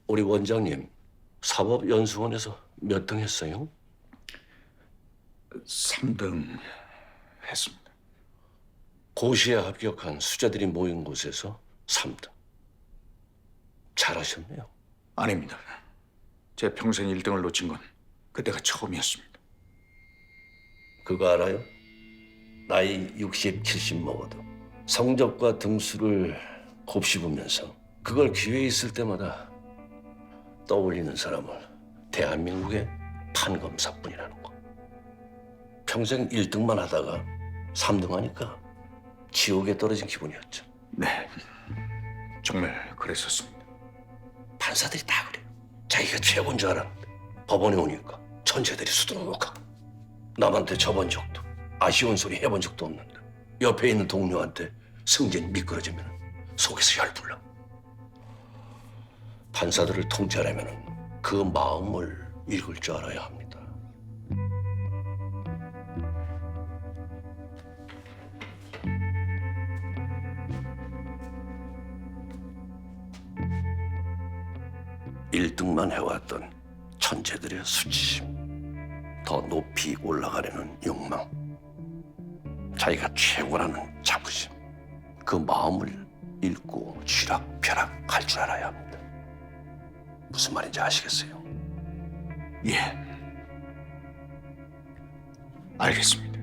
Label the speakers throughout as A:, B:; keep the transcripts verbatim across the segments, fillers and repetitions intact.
A: 우리 원장님 사법연수원에서 몇 등 했어요?
B: 삼 등 했습니다.
A: 고시에 합격한 수자들이 모인 곳에서 삼 등. 잘하셨네요.
B: 아닙니다. 제 평생 일 등을 놓친 건 그때가 처음이었습니다.
A: 그거 알아요? 나이 육십, 칠십 먹어도 성적과 등수를 곱씹으면서 그걸 기회 있을 때마다 떠올리는 사람은 대한민국의 판검사뿐이라는 거. 평생 일 등만 하다가 삼 등 하니까 지옥에 떨어진 기분이었죠.
B: 네, 정말 그랬었습니다.
A: 판사들이 다 그래요. 자기가 최고인 줄 알았는데 법원에 오니까 천재들이 수두룩하고 남한테 져본 적도 아쉬운 소리 해본 적도 없는데 옆에 있는 동료한테 승진이 미끄러지면 속에서 열불나. 판사들을 통제하려면 그 마음을 읽을 줄 알아야 합니다. 일 등만 해왔던 천재들의 수치심, 더 높이 올라가려는 욕망, 자기가 최고라는 자부심, 그 마음을 읽고 쥐락펴락 할 줄 알아야 합니다. 무슨 말인지 아시겠어요?
B: 예, 알겠습니다.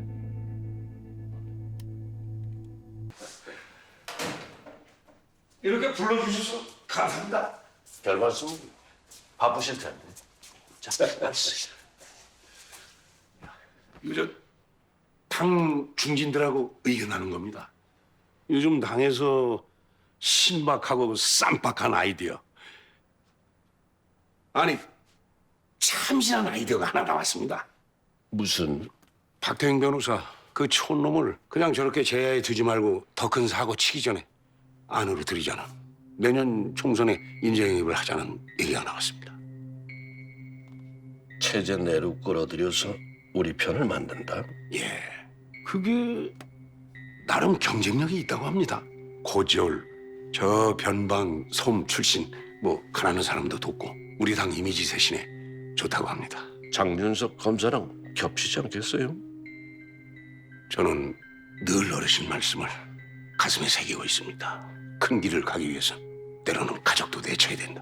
A: 이렇게 불러주셔서 감사합니다. 별 말씀. 바쁘실 텐데. 자,
C: 이거 저당 중진들하고 의견하는 겁니다. 요즘 당에서 신박하고 쌈박한 아이디어. 아니, 참신한 아이디어가 하나 나왔습니다.
A: 무슨
C: 박태영 변호사 그 촌놈을 그냥 저렇게 제야에 두지 말고 더 큰 사고 치기 전에 안으로 들이자는 내년 총선에 인재영입을 하자는 얘기가 나왔습니다.
A: 체제 내로 끌어들여서 우리 편을 만든다?
C: 예, 그게 나름 경쟁력이 있다고 합니다. 고지올, 저 변방 섬 출신 뭐 가난한 사람도 돕고 우리 당 이미지 쇄신에 좋다고 합니다.
A: 장윤석 검사랑 겹치지 않겠어요?
C: 저는 늘 어르신 말씀을 가슴에 새기고 있습니다. 큰 길을 가기 위해서 때로는 가족도 내쳐야 된다.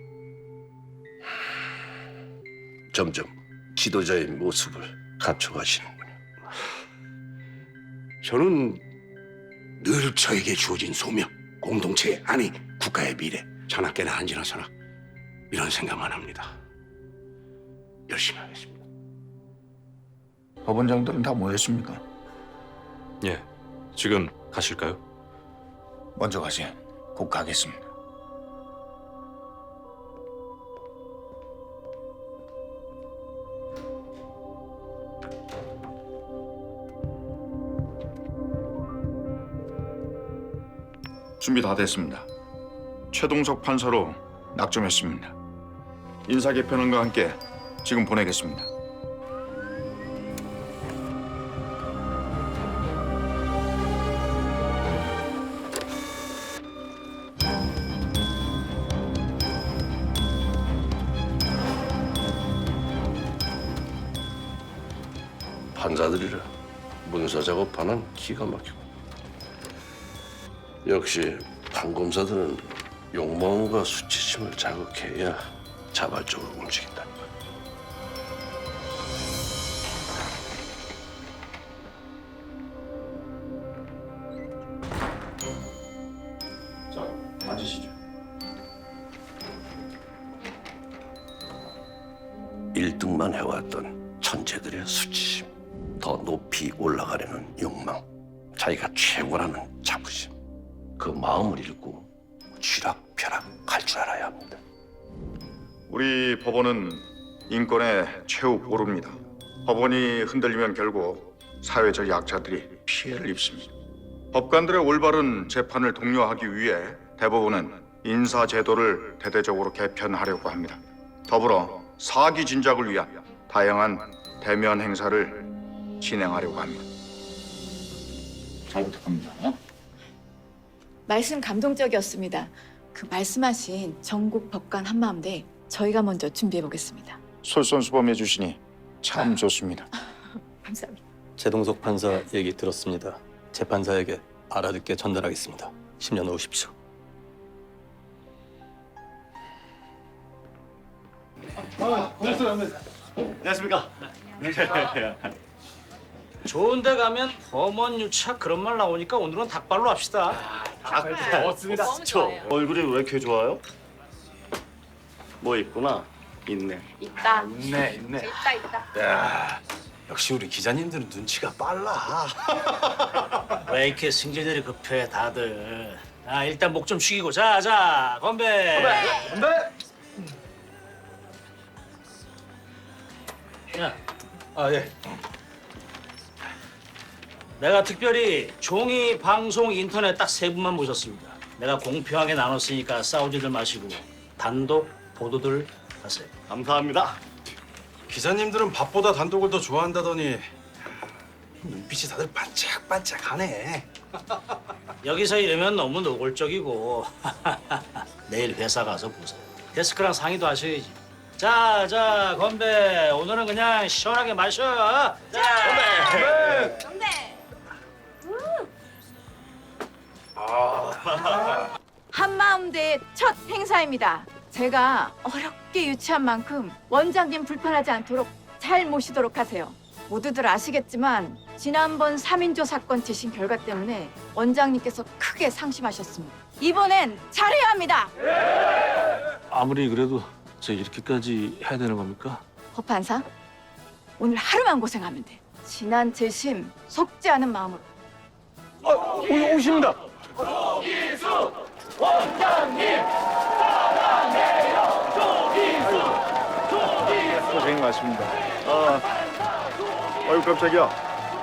A: 점점 지도자의 모습을 갖춰가시는군요.
C: 저는 늘 저에게 주어진 소명, 공동체 아니 국가의 미래, 자나깨나 안지나서나 이런 생각만 합니다. 열심히 하겠습니다.
B: 법원장들은 다 모였습니까?
D: 예, 지금 가실까요?
B: 먼저 가세요. 곧 가겠습니다. 준비 다 됐습니다. 최동석 판사로 낙점했습니다. 인사 개편안과 함께 지금 보내겠습니다.
A: 판사들이라 문서 작업하는 기가 막히고. 역시 판검사들은 욕망과 수치심을 자극해야 자발적으로 움직인다니까.
B: 자, 앉으시죠.
A: 일 등만 해왔던 천재들의 수치심, 더 높이 올라가려는 욕망, 자기가 최고라는 자부심, 그 마음을 읽고 쥐락펴락 할 줄 알아야 합니다.
E: 우리 법원은 인권의 최후 보루입니다. 법원이 흔들리면 결국 사회적 약자들이 피해를 입습니다. 법관들의 올바른 재판을 독려하기 위해 대법원은 인사제도를 대대적으로 개편하려고 합니다. 더불어 사기 진작을 위한 다양한 대면 행사를 진행하려고 합니다.
B: 잘 부탁합니다.
F: 말씀 감동적이었습니다. 그 말씀하신 전국 법관 한마음대 저희가 먼저 준비해 보겠습니다.
E: 솔선수범해 주시니 참 좋습니다.
F: 감사합니다.
G: 제동석 판사 얘기 들었습니다. 재판사에게 알아듣게 전달하겠습니다. 심려 놓으십시오.
H: 좋은 데 가면 범원 유착 그런 말 나오니까 오늘은 닭발로 합시다.
I: 좋습니다. 얼굴이 왜 이렇게 좋아요? 뭐 있구나. 있네.
F: 있다.
B: 있네 있네.
F: 있다 있다.
G: 야, 역시 우리 기자님들은 눈치가 빨라.
H: 왜 이렇게 승질들이 급해 다들. 아 일단 목 좀 숙이고 자자 건배. 건배. 야
G: 아 예.
H: 내가 특별히 종이, 방송, 인터넷 딱 세 분만 모셨습니다. 내가 공평하게 나눴으니까 싸우지들 마시고 단독 보도들 하세요.
I: 감사합니다.
D: 기자님들은 밥보다 단독을 더 좋아한다더니 눈빛이 다들 반짝반짝하네.
H: 여기서 이러면 너무 노골적이고 내일 회사 가서 보세요. 데스크랑 상의도 하셔야지. 자, 자, 건배. 오늘은 그냥 시원하게 마셔. 자, 건배.
F: 건배. 한마음대의 첫 행사입니다. 제가 어렵게 유치한 만큼 원장님 불편하지 않도록 잘 모시도록 하세요. 모두들 아시겠지만 지난번 삼인조 사건 재심 결과 때문에 원장님께서 크게 상심하셨습니다. 이번엔 잘해야 합니다.
D: 아무리 그래도 저 이렇게까지 해야 되는 겁니까?
F: 법판사, 오늘 하루만 고생하면 돼. 지난 재심 속지 않은 마음으로.
D: 오십니다.
E: 고생 많습니다. 아, 아유 깜짝이야.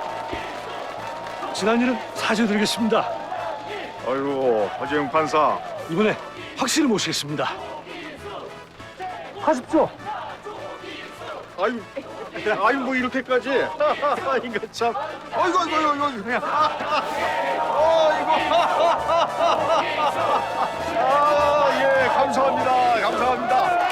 J: 지난 일은 사죄드리겠습니다.
E: 아이고 허재영 판사.
J: 이번에 확실히 모시겠습니다. 하십시오.
E: 아유, 아유 뭐 이렇게까지? 이거 참. 아이고 아이고 아이고 아이고 그냥. 아이고. 아 예, 감사합니다. 감사합니다.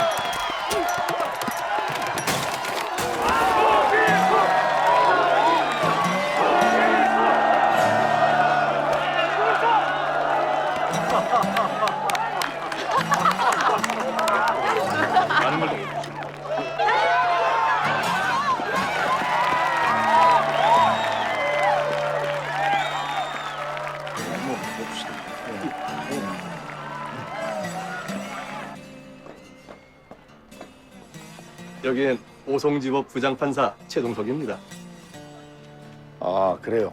G: 여기는 오송지법 부장판사 최동석입니다.
E: 아 그래요.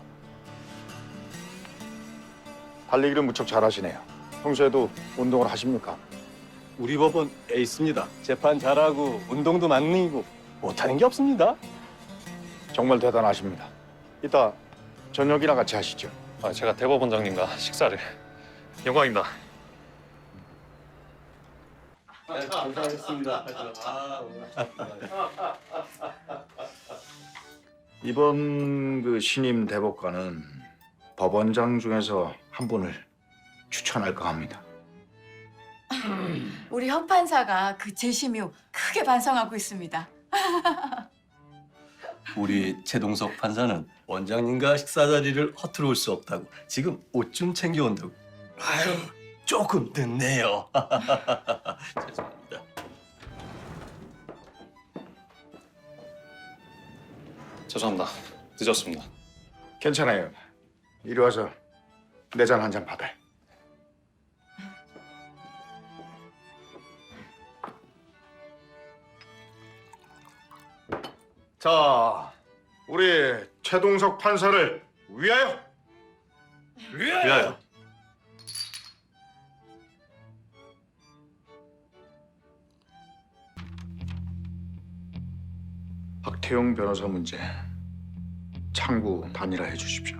E: 달리기를 무척 잘하시네요. 평소에도 운동을 하십니까?
G: 우리 법원 에이스입니다. 재판 잘하고 운동도 만능이고 못하는 게 없습니다.
E: 정말 대단하십니다. 이따 저녁이나 같이 하시죠.
D: 아, 제가 대법원장님과 식사를. 영광입니다.
G: 감사하겠습니다.
E: 이번 그 신임 대법관은 법원장 중에서 한 분을 추천할까 합니다.
F: 우리 현 판사가 그 재심 이후 크게 반성하고 있습니다.
G: 우리 최동석 판사는 원장님과 식사 자리를 허투루 올 수 없다고 지금 옷 좀 챙겨온다고. 아유, 조금 늦네요. 죄송합니다.
D: 죄송합니다. 늦었습니다.
E: 괜찮아요. 이리 와서 내 잔 한 잔 받아요. 자, 우리 최동석 판사를 위하여!
D: 위하여.
E: 박태용 변호사 문제 창구 단일화해 주십시오.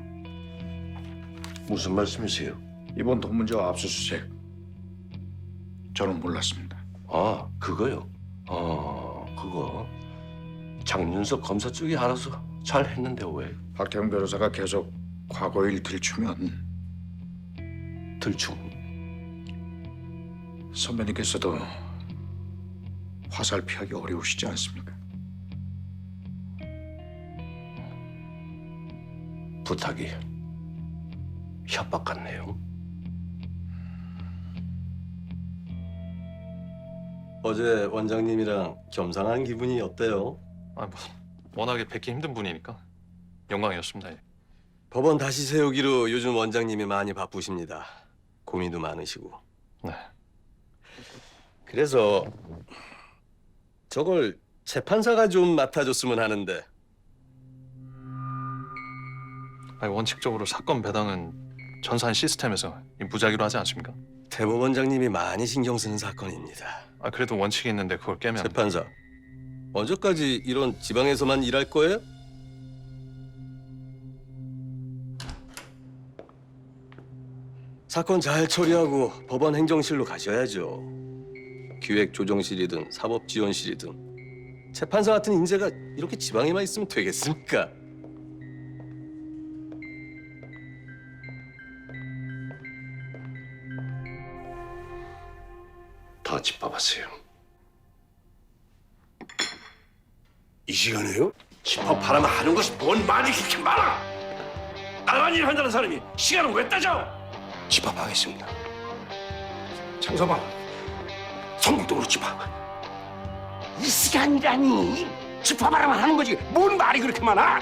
A: 무슨 말씀이세요?
E: 이번 돈 문제와 압수수색 저는 몰랐습니다.
A: 아, 그거요? 아, 그거 장윤석 검사 쪽이 알아서 잘 했는데 왜?
E: 박태용 변호사가 계속 과거 일 들추면
A: 들충.
B: 선배님께서도 화살 피하기 어려우시지 않습니까?
A: 부탁이 협박 같네요.
G: 어제 원장님이랑 겸상한 기분이 어때요?
K: 아, 뭐 워낙에 뵙기 힘든 분이니까 영광이었습니다. 예.
G: 법원 다시 세우기로 요즘 원장님이 많이 바쁘십니다. 고민도 많으시고.
K: 네.
G: 그래서 저걸 재판사가 좀 맡아줬으면 하는데.
K: 아니, 원칙적으로 사건 배당은 전산 시스템에서 무작위로 하지 않습니까?
G: 대법원장님이 많이 신경 쓰는 사건입니다.
K: 아, 그래도 원칙이 있는데 그걸 깨면
G: 재판사, 언제까지 이런 지방에서만 일할 거예요? 사건 잘 처리하고 법원 행정실로 가셔야죠. 기획조정실이든 사법지원실이든 재판사 같은 인재가 이렇게 지방에만 있으면 되겠습니까?
A: 다 짚어봤어요.
C: 이 시간에요? 집합하라면 하는 것이 뭔 말이 그렇게 많아?
A: 나만 일 한다는 사람이 시간을 왜 따져?
C: 집합하겠습니다. 장서방, 성북동으로 집합. 이 시간이라니. 집합하라면 하는 거지. 뭔 말이 그렇게 많아?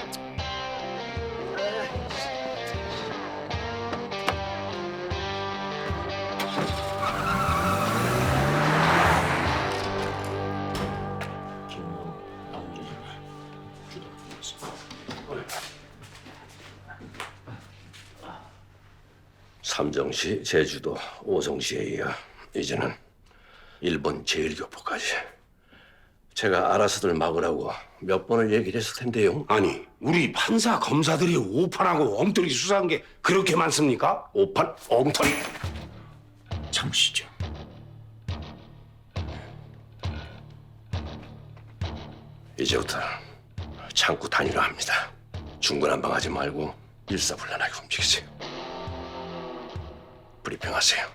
A: 삼정시, 제주도, 오성시에 이어 이제는 일본 제일교포까지 제가 알아서들 막으라고 몇 번을 얘기를 했을 텐데요.
C: 아니, 우리 판사 검사들이 오판하고 엉터리 수사한 게 그렇게 많습니까?
A: 오판, 엉터리.
B: 참으시죠.
A: 이제부터 창구 단위로 합니다. 중구난방하지 말고 일사불란하게 움직이세요. 브리핑하세요.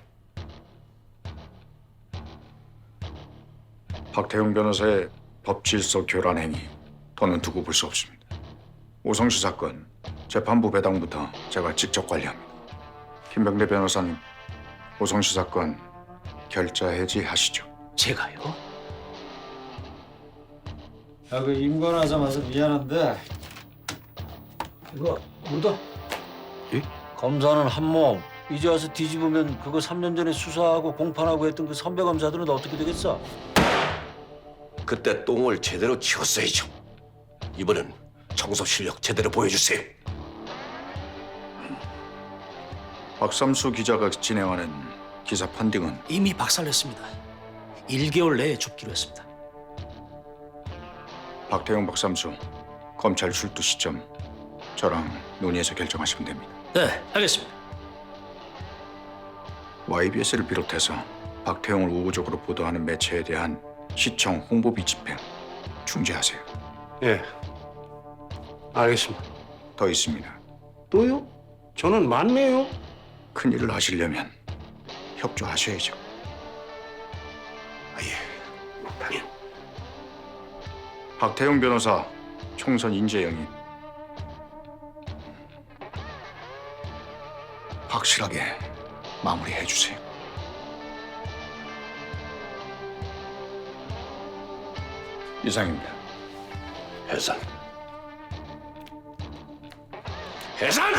B: 박태웅 변호사의 법질서 교란 행위 더는 두고 볼 수 없습니다. 오성시 사건 재판부 배당부터 제가 직접 관리합니다. 김병대 변호사님, 오성시 사건 결자 해지하시죠.
H: 제가요? 야, 그 임관하자마자 미안한데 이거 묻어.
J: 예?
H: 검사는 한몸. 이제 와서 뒤집으면 그거 삼 년 전에 수사하고 공판하고 했던 그 선배 검사들은 어떻게 되겠어?
A: 그때 똥을 제대로 치웠어야죠. 이번엔 청소 실력 제대로 보여주세요.
B: 박삼수 기자가 진행하는 기사 판딩은
H: 이미 박살냈습니다. 일 개월 내에 줍기로 했습니다.
B: 박태웅 박삼수 검찰 출두 시점 저랑 논의해서 결정하시면 됩니다.
H: 네, 알겠습니다.
B: 와이비에스를 비롯해서 박태웅을 우호적으로 보도하는 매체에 대한 시청 홍보비 집행 중지하세요.
C: 예, 알겠습니다.
B: 더 있습니다.
C: 또요? 저는 맞네요.
B: 큰일을 하시려면 협조하셔야죠.
C: 아, 예, 당연.
B: 박태웅 변호사 총선 인재 영입 확실하게 마무리해 주세요. 이상입니다.
A: 해산. 해산!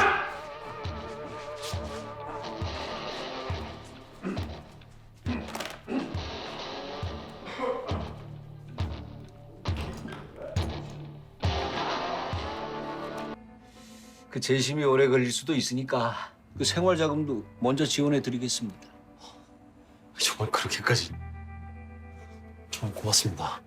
H: 그 재심이 오래 걸릴 수도 있으니까 그 생활 자금도 먼저 지원해 드리겠습니다.
G: 정말 그렇게까지? 정말 고맙습니다.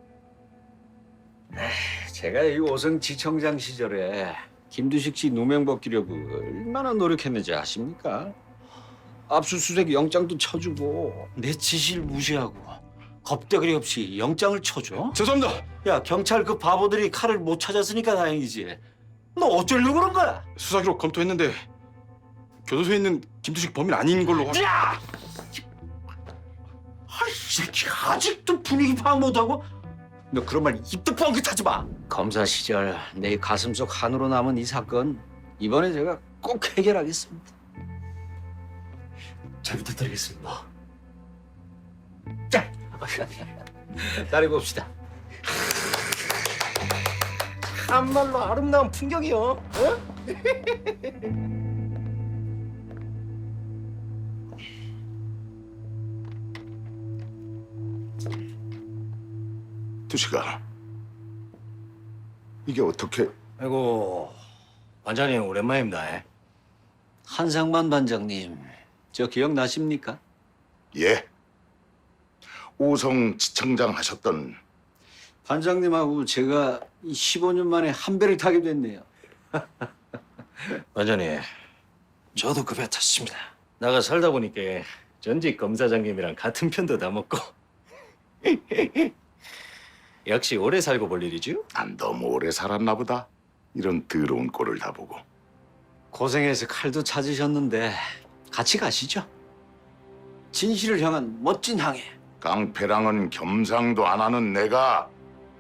H: 제가 이 오성지청장 시절에 김두식 씨 누명 벗기려고 얼마나 노력했는지 아십니까? 압수수색 영장도 쳐주고 내 지시를 무시하고 겁대거리 없이 영장을 쳐줘?
K: 죄송합니다.
H: 야, 경찰 그 바보들이 칼을 못 찾았으니까 다행이지. 너 어쩌려고 그런 거야?
K: 수사 기록 검토했는데 교도소에 있는 김두식 범인 아닌 걸로 확...
H: 야! 아이 새끼 아직도 분위기 파악 못하고? 너 그런 말 입도 뻥긋하지 마. 검사 시절 내 가슴 속 한으로 남은 이 사건 이번에 제가 꼭 해결하겠습니다.
G: 잘 부탁드리겠습니다.
H: 자, 따라해 봅시다.
G: 참말로 아름다운 풍경이요. 어?
E: 두식아, 이게 어떻게?
H: 아이고, 반장님 오랜만입니다. 에? 한상만 반장님, 저 기억나십니까?
E: 예. 오성 지청장 하셨던
H: 반장님하고 제가 십오 년 만에 한 배를 타게 됐네요. 반장님, 저도 그 배 탔습니다. 나가 살다 보니까 전직 검사장님이랑 같은 편도 다 먹고 역시 오래 살고 볼 일이죠?
E: 난 너무 오래 살았나 보다. 이런 더러운 꼴을 다 보고.
H: 고생해서 칼도 찾으셨는데 같이 가시죠. 진실을 향한 멋진 항해.
E: 깡패랑은 겸상도 안 하는 내가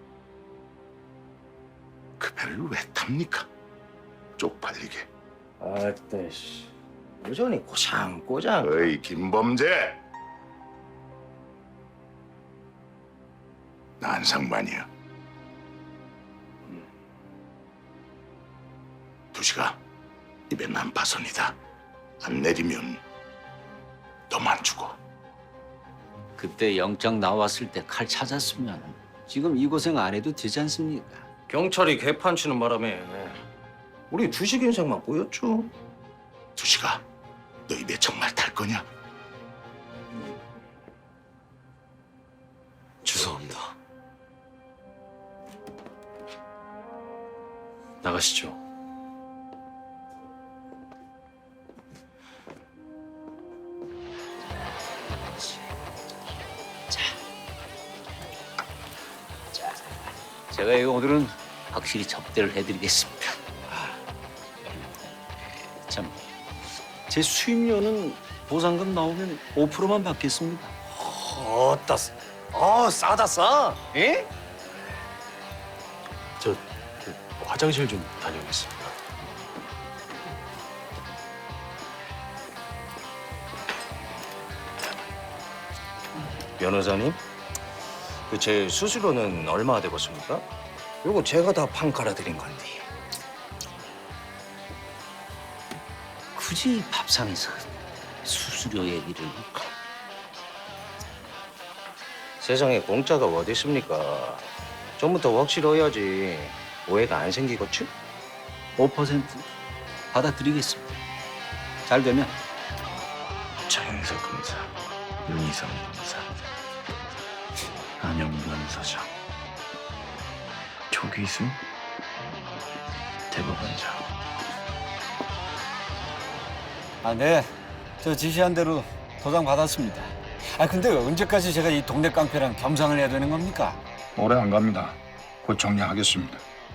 E: 그 배를 왜 탑니까? 쪽팔리게.
H: 아따 씨, 여전히 꼬장꼬장.
E: 어이 김범재, 나 한상만이야. 두식아, 입에 난파선이다. 안 내리면 너만 죽어.
H: 그때 영장 나왔을 때 칼 찾았으면 지금 이 고생 안 해도 되지 않습니까? 경찰이 개판 치는 바람에 우리 주식 인생만 보였죠.
E: 두식아, 너 입에 정말 탈 거냐?
G: 죄송합니다.
H: 나가시죠. 제가 이거 오늘은 확실히 접대를 해드리겠습니다. 참, 제 수임료는 보상금 나오면 오 퍼센트만 받겠습니다.
G: 어따, 어 싸다 싸. 예?
D: 저 그, 화장실 좀 다녀오겠습니다.
H: 변호사님, 그 제 수수료는 얼마 되겠습니까? 요거 제가 다 판 깔아드린 건데. 굳이 밥상에서 수수료 얘기를. 세상에 공짜가 어디 있습니까? 전부터 확실해야지 오해가 안 생기겠지? 오 퍼센트 받아드리겠습니다. 잘 되면.
B: 장윤석 검사, 윤희성 검사, 안영권 서장, 조기수 대법원장.
H: 아, 네. 저 지시한 대로 도장 받았습니다. 아, 근데 언제까지 제가 이 동네 깡패랑 겸상을 해야 되는 겁니까?
B: 오래 안 갑니다. 곧 정리하겠습니다.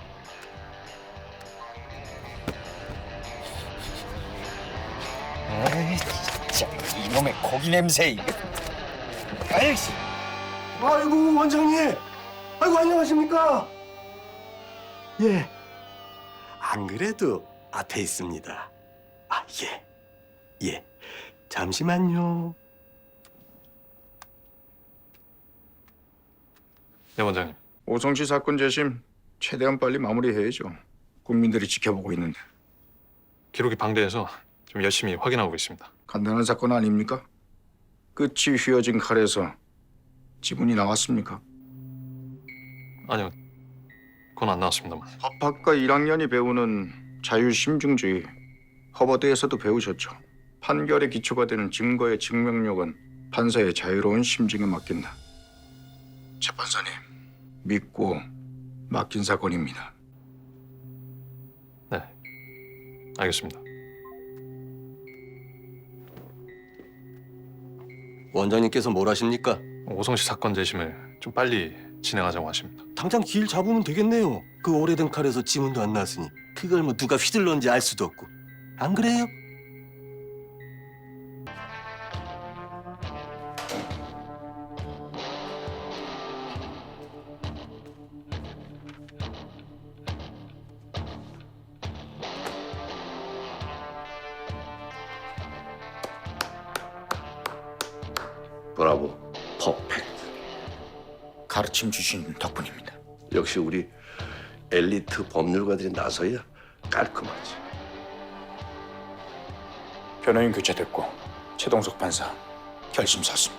H: 에이, 진짜 이놈의 고기 냄새. 이거. 아이씨.
G: 아이고 원장님. 아이고 안녕하십니까? 예. 안 그래도 앞에 있습니다. 아 예. 예. 잠시만요.
K: 네 원장님.
B: 오성시 사건 재심 최대한 빨리 마무리해야죠. 국민들이 지켜보고 있는데.
K: 기록이 방대해서 좀 열심히 확인하고 있습니다.
B: 간단한 사건 아닙니까? 끝이 휘어진 칼에서 지문이 나왔습니까?
K: 아니요, 그건 안 나왔습니다만.
B: 법학과 일 학년이 배우는 자유심증주의, 허버드에서도 배우셨죠. 판결의 기초가 되는 증거의 증명력은 판사의 자유로운 심증에 맡긴다. 재판사님, 믿고 맡긴 사건입니다.
K: 네, 알겠습니다.
G: 원장님께서 뭘 하십니까?
K: 오성시 사건 재심을 좀 빨리 진행하자고 하십니다.
G: 당장 길 잡으면 되겠네요. 그 오래된 칼에서 지문도 안 나왔으니 그걸 뭐 누가 휘둘렀는지 알 수도 없고. 안 그래요?
A: 브라보, 퍼펙트.
B: 가르침 주신 덕분입니다.
A: 역시 우리 엘리트 법률가들이 나서야 깔끔하지.
B: 변호인 교체됐고 최동석 판사 결심 섰습니다.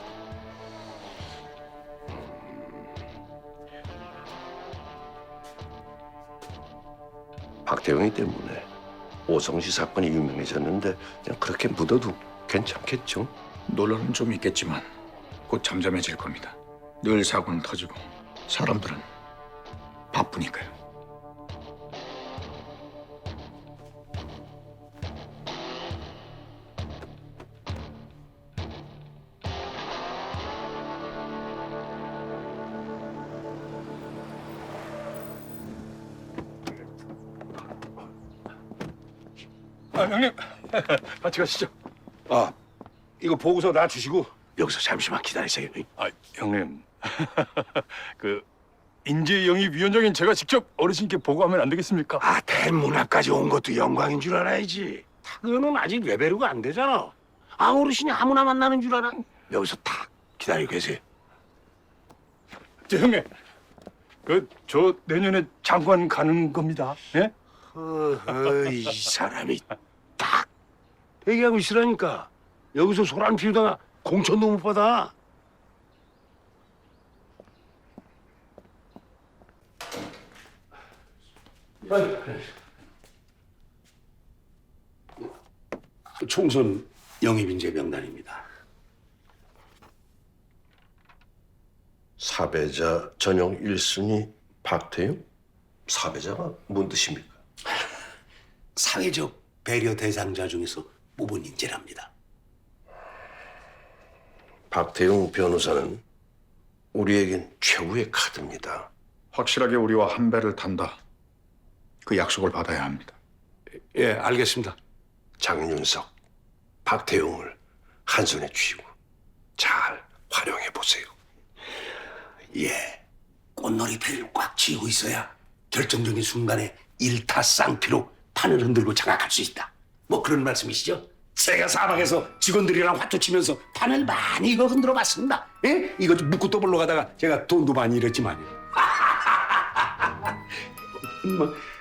A: 박태용이 때문에 오성시 사건이 유명해졌는데 그냥 그렇게 묻어도 괜찮겠죠?
B: 논란은 좀 있겠지만 곧 잠잠해질 겁니다. 늘 사고는 터지고 사람들은 바쁘니까요.
J: 아, 형님, 같이 가시죠.
C: 아, 이거 보고서 나 주시고 여기서 잠시만 기다리세요.
J: 아, 형님, 그 인재영입위원장인 제가 직접 어르신께 보고하면 안 되겠습니까?
C: 아, 대문학까지 온 것도 영광인 줄 알아야지. 타그는 아직 레벨이가 안 되잖아. 아, 어르신이 아무나 만나는 줄 알아. 여기서 딱 기다리고 계세요.
J: 저 형님, 그 저 내년에 장관 가는 겁니다. 예?
C: 어허, 이 사람이 딱 대기하고 있으라니까. 여기서 소란 피우다가 공천도 못 받아. 총선 영입인재 명단입니다.
A: 사배자 전용 일 순위 박태용? 사배자가 뭔 뜻입니까?
C: 사회적 배려 대상자 중에서 뽑은 인재랍니다.
A: 박태용 변호사는 우리에겐 최후의 카드입니다.
B: 확실하게 우리와 한 배를 탄다. 그 약속을 받아야 합니다.
C: 예, 알겠습니다.
A: 장윤석, 박태용을 한 손에 쥐고 잘 활용해 보세요.
C: 예, 꽃놀이패를 꽉 쥐고 있어야 결정적인 순간에 일타쌍피로 판을 흔들고 장악할 수 있다. 뭐 그런 말씀이시죠? 제가 사방에서 직원들이랑 화투 치면서 판을 많이 이거 흔들어 봤습니다. 예? 이거 좀 묻고 떠벌러 가다가 제가 돈도 많이 잃었지만요. 뭐